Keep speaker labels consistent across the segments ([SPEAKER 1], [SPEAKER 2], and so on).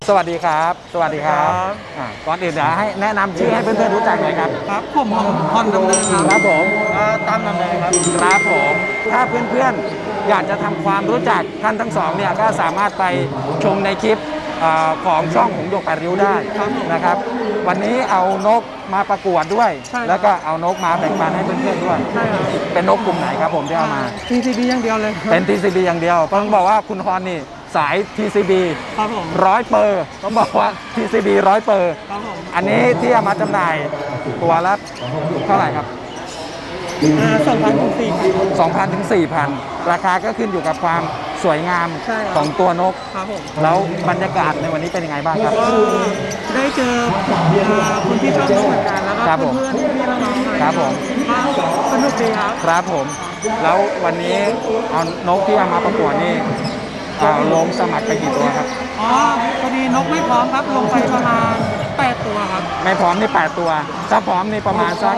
[SPEAKER 1] สวัสดีครับสวัสดีครับก่อนอื่นเดี๋ยวให้แนะนำชื่อให้เพื่อนๆรู้จักหน่อยครับ
[SPEAKER 2] ครับผมพรดำเนินครับ
[SPEAKER 1] ครับผม
[SPEAKER 2] ตามดำเนินครับ
[SPEAKER 1] ครับผมถ้าเพื่อนๆอยากจะทำความรู้จักท่านทั้งสองเนี่ยก็สามารถไปชมในคลิปของช่องหงส์หยก8ริ้วได้นะครับวันนี้เอานกมาประกวดด้วยแล้วก็เอานกมาแบ่งปันให้เพื่อนๆด้วยเป็นนกกลุ่มไหนครับผมที่เอามา
[SPEAKER 2] TCB อย่างเดียวเลย
[SPEAKER 1] เป็น TCB อย่างเดียวต้องบอกว่าคุณฮอนนี่สาย TCB
[SPEAKER 2] ครับผม
[SPEAKER 1] 100%ต้องบอกว่า TCB 100%
[SPEAKER 2] ครับผม
[SPEAKER 1] อันนี้ที่เอามาจำหน่ายตัวละเท่าไหร่ครับ
[SPEAKER 2] 2,000 ถึง 4,000
[SPEAKER 1] 2,000 ถึง 4,000 ราคาก็ขึ้นอยู่กับความสวยงามของตัวนก
[SPEAKER 2] ครับผม
[SPEAKER 1] แล้วบรรยากาศในวันนี้เป็นยังไงบ้างครับ
[SPEAKER 2] ก็ได้เจอคนที่ชอบนกเหมือนกันแล้วก็เพื่อนๆพี่น้องๆอะไร
[SPEAKER 1] ครับผม
[SPEAKER 2] สนุกดีครับ
[SPEAKER 1] ครับผมแล้ววันนี้เอานกที่เอามาประกวดนี่ลงสมัครไปกี่ตัวครับ
[SPEAKER 2] อ๋อพอดีนกไม่พร้อมครับลงไปประมาณ8ตัวครับ
[SPEAKER 1] ไม่พร้อมนี่8ตัวถ้าพร้อมนี่ประมาณสัก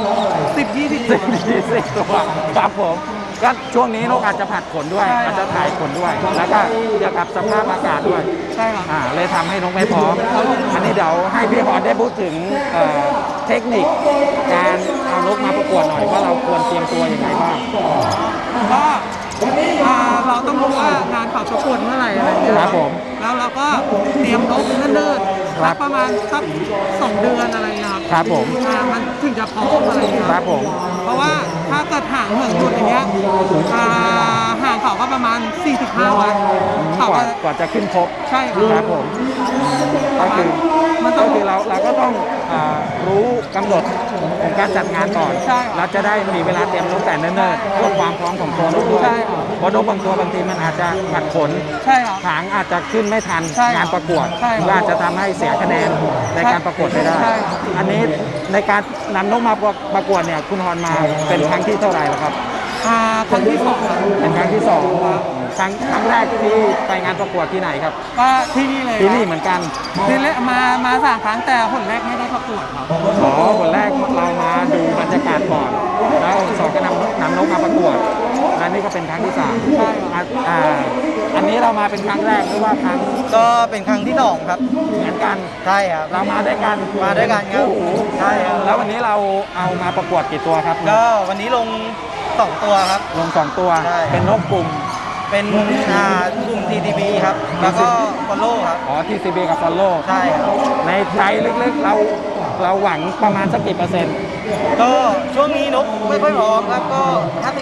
[SPEAKER 1] 10-20 ตัวครับผมก็ช่วงนี้นกอาจจะผัดขนด้วยอาจจะถ่ายขนด้วยแล้วก็เกี่ยวกับสภาพอากาศด้วย
[SPEAKER 2] ใช่ครับ
[SPEAKER 1] เลยทำให้นกไม่พร้อมอันนี้เดี๋ยวให้พี่ฮอนได้พูดถึงเทคนิคการเอานกมาประกวดหน่อยว่าเราควรเตรียมตัวยังไงบ้าง
[SPEAKER 2] ก็เราต้องรู้ว่างานเขาประกวดเมื่อไหร่อะไรอย่างเงี้ย
[SPEAKER 1] ครับผม
[SPEAKER 2] แล้วเราก็เตรียมนกเนิ่นๆสักประมาณสัก2 เดือนอะไรเงี้ย
[SPEAKER 1] ครับผม
[SPEAKER 2] มันถึงจะพร้อมอะไรเงี้ย
[SPEAKER 1] ครับผม
[SPEAKER 2] เพราะว่าถ้าเกิดห่างเหินหยุดอย่างเงี้ยห่างเขาก็ประมาณ 4-5 วันเขา
[SPEAKER 1] กว่าจะขึ้นครบ
[SPEAKER 2] ใช่
[SPEAKER 1] ครับผมก็คือเราก็ต้องรู้กำหนดของการจัดงานก่อนเราจะได้มีเวลาเตรียมนกแต่เนิ่นๆเพื่อความพร้อมของตัวนกด้วยเพราะนกบางตัวบางทีมันอาจจะผัดขนหางอาจจะขึ้นไม่ทันงานประกวดก็อาจจะทำให้เสียคะแนนในการประกวดไปได้อันนี้ในการนำนกมาประกวดเนี่ยคุณฮอนมาเป็นครั้งที่เท่าไหร่แล้วครับ
[SPEAKER 2] ครั้งที่2
[SPEAKER 1] เป็นครั้งที่2ครั้งแรกที่ไปงานประกวดที่ไหนครับ
[SPEAKER 2] ก็ที่นี่เลย
[SPEAKER 1] ที่นี่เหมือนกัน
[SPEAKER 2] ที่แรกมา3 ครั้งแต่ผลแรกไม่ได้ประกวดครับ
[SPEAKER 1] ผลแรกเรามาดูบรรยากาศก่อนแล้ว2ก็นำนกมาประกวดและนี่ก็เป็นครั้งที่3
[SPEAKER 2] ใช่
[SPEAKER 1] อันนี้เรามาเป็นครั้งแรกหรือว่าครั้ง
[SPEAKER 2] ก็เป็นครั้งที่2ครับ
[SPEAKER 1] เหมือนกัน
[SPEAKER 2] ใช่ครับ
[SPEAKER 1] เรามาด้วยกัน
[SPEAKER 2] ครับใช่ครับ
[SPEAKER 1] แล้ววันนี้เราเอามาประกวดกี่ตัวครับ
[SPEAKER 2] ก็วันนี้ลง2 ตัวครับ
[SPEAKER 1] ลง2 ตัวเป็นนกกลุ่ม
[SPEAKER 2] เป็นกลุ่ม TCB ครับแล้วก็ Follow ครับ
[SPEAKER 1] TCB กับ Follow
[SPEAKER 2] ใช่ครับ
[SPEAKER 1] ในใจลึกๆเราหวังประมาณสักกี่เปอร์เซ็นต์
[SPEAKER 2] ก็ช่วงนี้นกไม่ค่อยพร้อมครับก็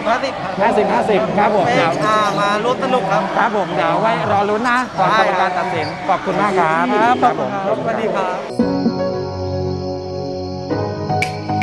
[SPEAKER 1] 50-50ครับผมเดี๋ยว
[SPEAKER 2] มาร่วมสนุกครับ
[SPEAKER 1] ครับผมเดี๋ยวไว้รอลุ้นนะก่อนกรรมการตัดสินขอบคุณมากครับ
[SPEAKER 2] ครับผมสวัสดีครับ